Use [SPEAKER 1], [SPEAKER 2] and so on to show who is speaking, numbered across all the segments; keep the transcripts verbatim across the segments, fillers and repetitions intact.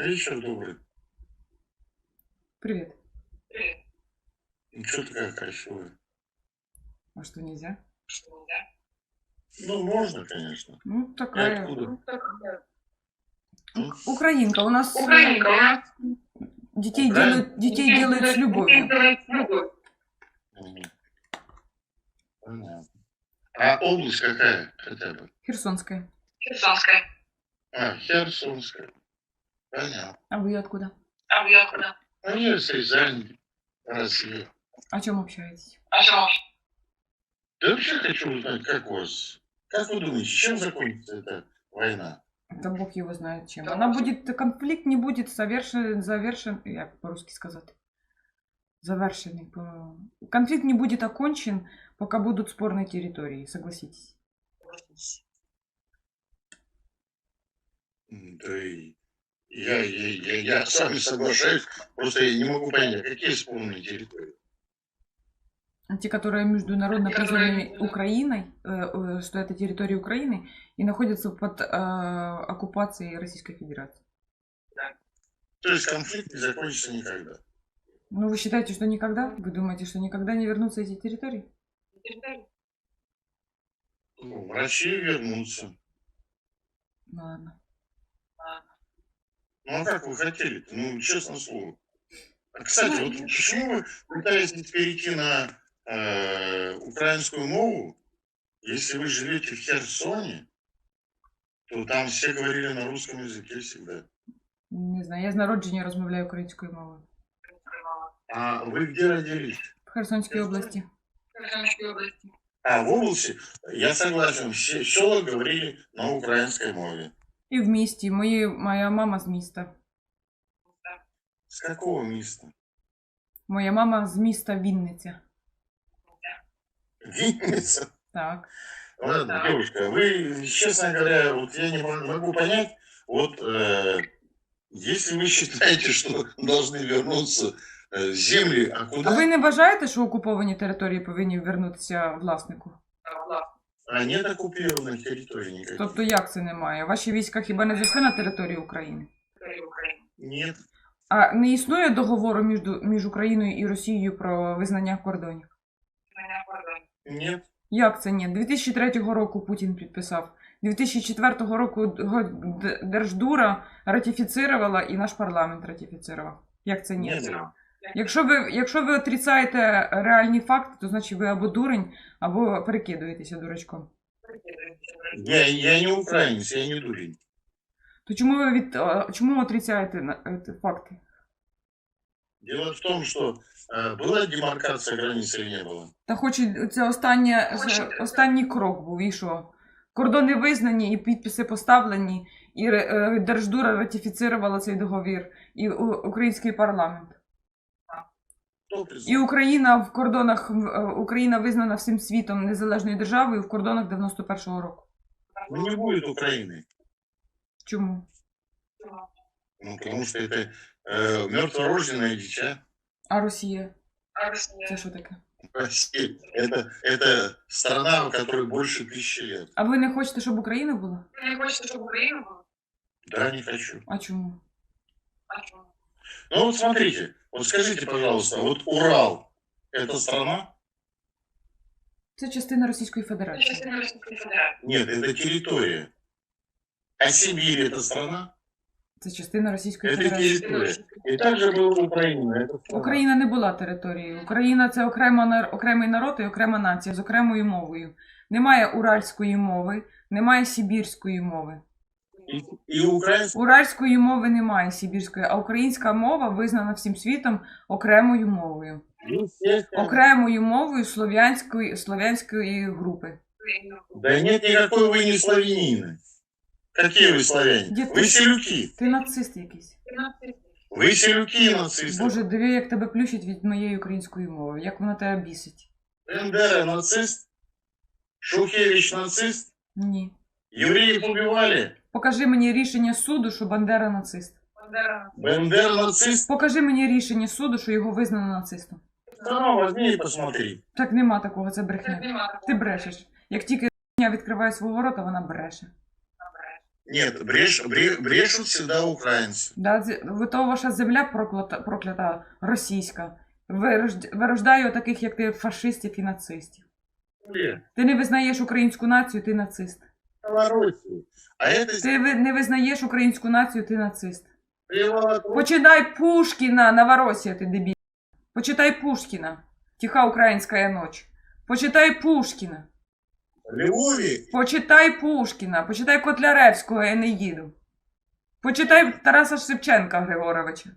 [SPEAKER 1] Вечер добрый.
[SPEAKER 2] Привет.
[SPEAKER 1] Ну, чё такая красивая?
[SPEAKER 2] А что, нельзя?
[SPEAKER 1] Ну, можно, конечно.
[SPEAKER 2] Ну,
[SPEAKER 1] Ты
[SPEAKER 2] такая.
[SPEAKER 1] откуда? М?
[SPEAKER 2] Ук- Украинка. У нас э,
[SPEAKER 3] Украинка, у нас
[SPEAKER 2] детей
[SPEAKER 1] Украин?
[SPEAKER 2] делают, детей делают с любовью.
[SPEAKER 1] Мгм. Понятно. А область какая хотя бы?
[SPEAKER 2] Херсонская.
[SPEAKER 3] Херсонская.
[SPEAKER 1] А, Херсонская. Понятно.
[SPEAKER 2] А вы откуда?
[SPEAKER 3] А вы откуда?
[SPEAKER 1] А я с Рязани, Россия.
[SPEAKER 2] О чем общаетесь?
[SPEAKER 3] О чем вообще?
[SPEAKER 1] Да вообще хочу узнать, как у вас... Как вы думаете, чем закончится эта война?
[SPEAKER 2] Да Бог его знает чем. Она будет, конфликт не будет завершен, завершен, як по-русски сказать, завершенный. По... Конфликт не будет окончен, пока будут спорные территории, согласитесь.
[SPEAKER 1] М, Да и я, я, я, я с вами соглашаюсь, просто я не могу понять, а какие спорные территории?
[SPEAKER 2] Те, которые международно признаны Украиной, э, э, что это территория Украины, и находятся под э, оккупацией Российской Федерации.
[SPEAKER 1] То есть конфликт не закончится никогда.
[SPEAKER 2] Ну, вы считаете, что никогда? Вы думаете, что никогда не вернутся эти территории?
[SPEAKER 1] Ну, в Россию вернуться.
[SPEAKER 2] Ну, ладно.
[SPEAKER 1] Ну а как вы хотели-то? Ну, честное слово. А, кстати, вот почему вы пытаетесь перейти на э, украинскую мову, если вы живете в Херсоне, то там все говорили на русском языке всегда.
[SPEAKER 2] Не знаю, я з народження розмовляю українською мовою.
[SPEAKER 1] А вы где родились?
[SPEAKER 2] В Херсонській області.
[SPEAKER 3] Херсонской области.
[SPEAKER 1] А в области, я согласен, все села говорили на украинской мове.
[SPEAKER 2] І в місті. Мої, моя мама з міста.
[SPEAKER 1] С какого места?
[SPEAKER 2] Моя мама з міста Вінниця.
[SPEAKER 1] Винница?
[SPEAKER 2] Так.
[SPEAKER 1] Ладно, девушка, вы, честно говоря, вот я не мо- могу понять, вот э, если вы считаете, что должны вернуться э, земли, а
[SPEAKER 2] А
[SPEAKER 1] куда?
[SPEAKER 2] ви не вважаєте, що окуповані території повинні вернутися власнику?
[SPEAKER 1] А нет оккупированных территорий никаких.
[SPEAKER 2] Тобто як це немає? Ваші війська хіба не зайшли на територію України?
[SPEAKER 1] Нет.
[SPEAKER 2] А не існує договору між, між Україною і Росією про визнання кордонів?
[SPEAKER 1] Нет.
[SPEAKER 2] Як це ні? дві тисячі третього року Путін підписав. дві тисячі четвертого року Г- Д- Держдура ратифіцировала і наш парламент ратифіцировав. Як це ні?
[SPEAKER 1] Не было.
[SPEAKER 2] Якщо ви, якщо ви отрицаєте реальні факти, то значить ви або дурень, або перекидуєтеся дурачком.
[SPEAKER 1] Я, я не украинец, я не дурень.
[SPEAKER 2] То чому ви від, а, чому отрицаєте на- е, факти?
[SPEAKER 1] Дело в том, что э, была демаркация границ или не было?
[SPEAKER 2] Та хоч і це останнє, з- останній крок був, і що? Кордони визнані, і підписи поставлені, і ре- е, Держдура ратифіцировала цей договір, і у- український парламент.
[SPEAKER 1] Кто
[SPEAKER 2] І
[SPEAKER 1] признал?
[SPEAKER 2] Україна в кордонах, е, Україна визнана всім світом незалежною державою в кордонах дев'яносто першого року.
[SPEAKER 1] Ну, не будет Украины.
[SPEAKER 2] Чому?
[SPEAKER 1] Ну, потому что это э, мертворожденное дитя.
[SPEAKER 2] А Росія?
[SPEAKER 3] А Россия?
[SPEAKER 2] Це що таке?
[SPEAKER 1] Россия. Это, это страна, у которой больше тысячи лет.
[SPEAKER 2] А ви не хочете, щоб Україна була?
[SPEAKER 3] Вы не хочете, чтобы Украина была?
[SPEAKER 1] Да, не хочу.
[SPEAKER 2] А чому?
[SPEAKER 3] А что?
[SPEAKER 1] Ну вот смотрите, вот скажите, пожалуйста, вот Урал – это страна?
[SPEAKER 2] Це частина Російської
[SPEAKER 3] Это
[SPEAKER 2] Федерації.
[SPEAKER 3] частина Российской Федерации.
[SPEAKER 1] Нет, это территория. А Сибирь – это страна?
[SPEAKER 2] Це частина Російської
[SPEAKER 1] Это
[SPEAKER 2] Федерації.
[SPEAKER 1] территория. И также была Украина. Это страна.
[SPEAKER 2] Україна не була територією. Україна це окрема, нар- окремий народ і окрема нація з окремою мовою. Немає уральської мови, немає сибірської мови.
[SPEAKER 1] И, и украинская.
[SPEAKER 2] Уральської мови немає сибірської, а українська мова визнана всім світом окремою мовою. Окремою мовою слов'янської, слов'янської групи.
[SPEAKER 1] Да нет никакой вы не славянины. Какие вы славяне?
[SPEAKER 2] Где ты?
[SPEAKER 1] Вы селюки.
[SPEAKER 2] Ти нацист якийсь.
[SPEAKER 1] Вы селюки и нацисты.
[SPEAKER 2] Боже, диви, як тебе плющить від моєї української мови, як вона тебе бісить.
[SPEAKER 1] Бендера нацист? Шухевич нацист?
[SPEAKER 2] Ні.
[SPEAKER 1] Евреев убивали?
[SPEAKER 2] Покажи мені рішення суду, що Бандера нацист.
[SPEAKER 3] Бандера.
[SPEAKER 1] Бендер нацист?
[SPEAKER 2] Покажи мені рішення суду, що його визнано нацистом.
[SPEAKER 1] Да ну, возьми и посмотри.
[SPEAKER 2] Так нема такого, це брехня.
[SPEAKER 3] Нема такого.
[SPEAKER 2] Ти брешеш. Як тільки брехня відкриває свого рота, вона бреше.
[SPEAKER 1] Нет, бреш, бре- брешут всегда украинцы.
[SPEAKER 2] Да, з- ви то ваша земля проклята, проклята російська. Вирожд- Вирождає таких, як ти, фашистів і нацистів.
[SPEAKER 1] Блин,
[SPEAKER 2] Ти не визнаєш українську націю, ти нацист.
[SPEAKER 1] Новороссию. А это
[SPEAKER 2] Ти ви- не визнаєш українську націю, ти нацист.
[SPEAKER 1] Приволокло.
[SPEAKER 2] Почитай Пушкіна, Новоросія, ти дебіль. Почитай Пушкіна. Тиха українська ніч. Почитай Пушкіна.
[SPEAKER 1] Львові.
[SPEAKER 2] Почитай Пушкіна. Почитай Котляревського Енеїду. Почитай Тараса Шевченка Григоровича.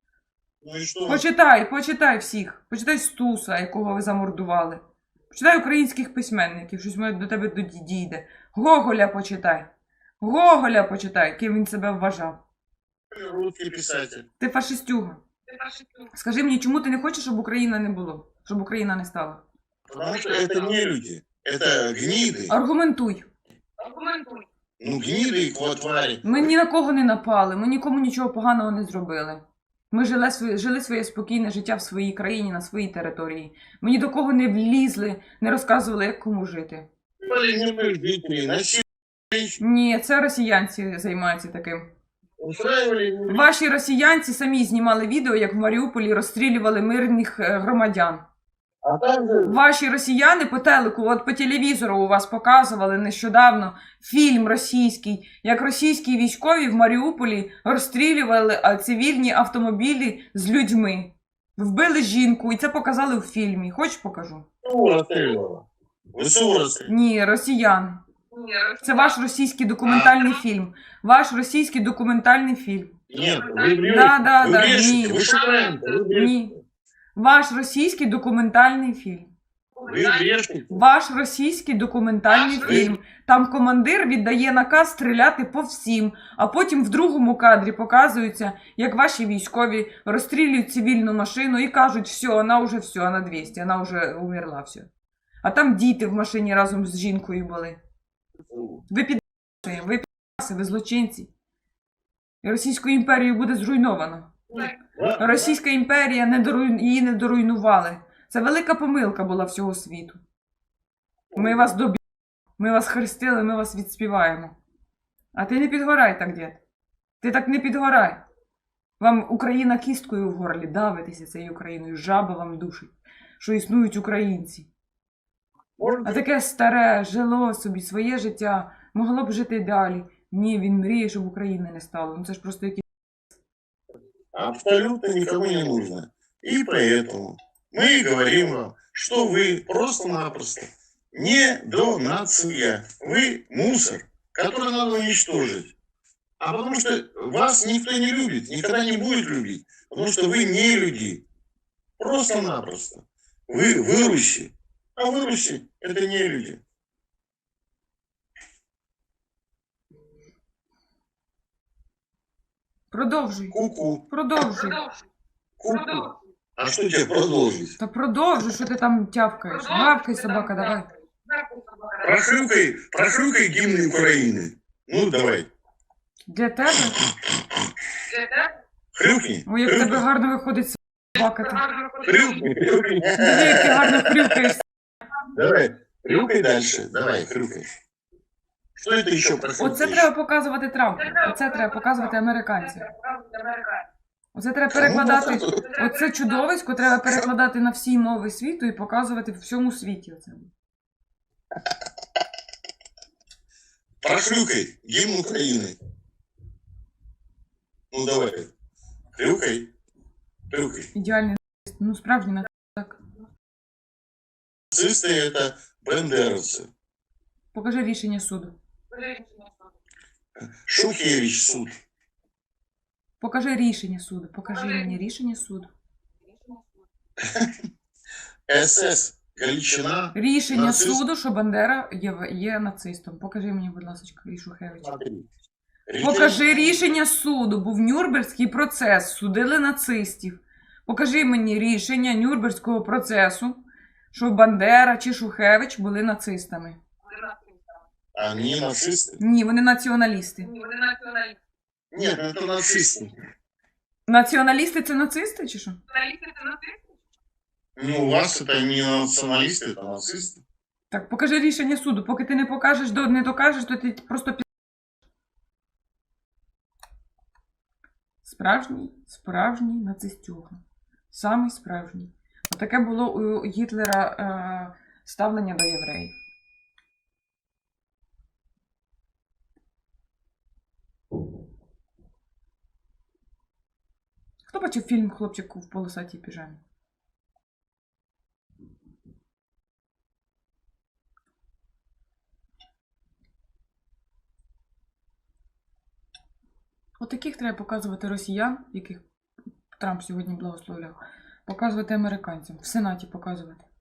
[SPEAKER 1] Ну и что?
[SPEAKER 2] Почитай, почитай всіх. Почитай Стуса, якого ви замордували. Почитай українських письменників, щось може до тебе доді- дійде. Гоголя почитай. Гоголя почитай, ким він себе вважав.
[SPEAKER 1] Русский писатель.
[SPEAKER 2] Ти фашистюга.
[SPEAKER 3] Ти фашистів.
[SPEAKER 2] Скажи мені, чому ти не хочеш, щоб Україна не було? Щоб Україна не стала?
[SPEAKER 1] Потому что это не люди. Это гниды.
[SPEAKER 2] Аргументуй.
[SPEAKER 3] Аргументуй.
[SPEAKER 1] Ну, гниды и твари.
[SPEAKER 2] Ми ні на кого не напали, ми нікому нічого поганого не зробили. Ми жили своє, жили своє спокійне життя в своїй країні, на своїй території. Ми ні до кого не влізли, не розказували, як кому жити.
[SPEAKER 1] Полигневых жителей, насиловали,
[SPEAKER 2] Ні, це росіянці займаються таким.
[SPEAKER 1] устраивали.
[SPEAKER 2] Ваші росіянці самі знімали відео, як в Маріуполі розстрілювали мирних е, громадян.
[SPEAKER 1] А там же
[SPEAKER 2] Ваші росіяни по телеку, от по телевізору у вас показували нещодавно фільм російський, як російські військові в Маріуполі розстрілювали а, цивільні автомобілі з людьми. Вбили жінку, і це показали в фільмі. Хочеш покажу?
[SPEAKER 1] ВСУ расстреливала. ВСУ расстреливала.
[SPEAKER 2] Ні, росіяни.
[SPEAKER 3] Ні,
[SPEAKER 2] Це ваш російський документальний фільм. Ваш російський документальний фільм.
[SPEAKER 1] Нет, вы брешете.
[SPEAKER 2] Да, да,
[SPEAKER 1] вы
[SPEAKER 2] да,
[SPEAKER 1] брешете.
[SPEAKER 2] не.
[SPEAKER 1] Вы шукаете, вы брешете.
[SPEAKER 2] Ні. Ваш російський документальний фільм.
[SPEAKER 1] Вы брешете.
[SPEAKER 2] Ваш російський документальний
[SPEAKER 3] Ваш
[SPEAKER 2] фільм. Там командир віддає наказ стріляти по всім, а потім в другому кадрі показується, як ваші військові розстрілюють цивільну машину і кажуть, все, вона вже все, вона двісті, вона вже умерла, все. А там діти в машині разом з жінкою були. Ви підписує, ви підписи, ви злочинці. І Російську імперію буде зруйновано. Російська імперія не доруй... її не доруйнували. Це велика помилка була всього світу. Ми вас доб'ємо, ми вас хрестили, ми вас відспіваємо. А ти не підгорай так, дід. Ти так не підгорай. Вам Україна кісткою в горлі, давитися цією Україною, жаба вам душить, що існують українці. А таке старе, жило собі своє життя, могло б жити далі. Ні, він мріє, щоб України не стало. Ну це ж просто якісь...
[SPEAKER 1] Абсолютно никому не нужно. И поэтому мы говорим вам, что вы просто-напросто не до нация. Вы мусор, который надо уничтожить. А потому что вас никто не любит, никогда не будет любить. Потому что вы не люди. Просто-напросто. Вы выруси. А выруси – это не люди.
[SPEAKER 2] Продовжуй.
[SPEAKER 1] Ку-ку.
[SPEAKER 2] Продовжуй.
[SPEAKER 3] Продовжуй.
[SPEAKER 1] Ку-ку.
[SPEAKER 3] Продовжуй.
[SPEAKER 1] А что тебе продолжить?
[SPEAKER 2] Та продовжуй, що ти там тявкаєш. Гавкай, собака, давай.
[SPEAKER 3] Гавкай, собака, давай.
[SPEAKER 1] Прохрюкай, прохрюкай гимн Украины. Ну, давай.
[SPEAKER 2] Для тебе?
[SPEAKER 3] Для тебе
[SPEAKER 1] Хрюкни.
[SPEAKER 2] Ой, як в тебе гарно виходить собака. ти.
[SPEAKER 3] гарно виходить.
[SPEAKER 1] Хрюкни, хрюкни.
[SPEAKER 2] Диви, як ти гарно хрюкаєш.
[SPEAKER 1] Давай, хрюкай дальше. Давай, хрюкай. Что это еще прохрюкаешь?
[SPEAKER 2] Оце треба показувати Трампу. Оце треба показувати американцям. Оце треба перекладати. Оце чудовисько треба перекладати на всі мови світу і показувати в всьому світі. Оце.
[SPEAKER 1] Прохрюкай гимн Украины. Ну, давай. Хрюкай. Хрюкай.
[SPEAKER 2] Ідеальний нацист. Ну, справжній нацист. Так.
[SPEAKER 1] Нацисты это бендеровцы.
[SPEAKER 2] Покажи рішення суду.
[SPEAKER 1] Шухевич суд.
[SPEAKER 2] Покажи рішення суду. Покажи мені рішення суду.
[SPEAKER 1] СС Галичина.
[SPEAKER 2] Рішення
[SPEAKER 1] Нацист.
[SPEAKER 2] суду, що Бандера є, є нацистом. Покажи мені, будь ласка, і Шухевич.
[SPEAKER 1] Смотри.
[SPEAKER 2] Покажи рішення суду. Був Нюрнберзький процес. Судили нацистів. Покажи мені рішення Нюрнберзького процесу, що Бандера чи Шухевич були нацистами.
[SPEAKER 1] Они нацисты?
[SPEAKER 2] Ні, вони націоналісти.
[SPEAKER 3] Вони націоналісти.
[SPEAKER 1] Нет, это нацисты.
[SPEAKER 2] Націоналісти це нацисти чи що?
[SPEAKER 3] Націоналісти це нацисти?
[SPEAKER 1] Ну, у вас это не националисты, это нацисты.
[SPEAKER 2] Так, покажи рішення суду. Поки ти не покажеш, до- не докажеш, то ти просто пі... Справжній, справжній нацистюга. Самий справжній. Отаке було у Гітлера е, ставлення до євреїв. Хто бачив фільм «Хлопчик в полосатій піжамі»? Отаких треба показувати росіян, яких Трамп сьогодні благословляв, показувати американцям, в Сенаті показувати.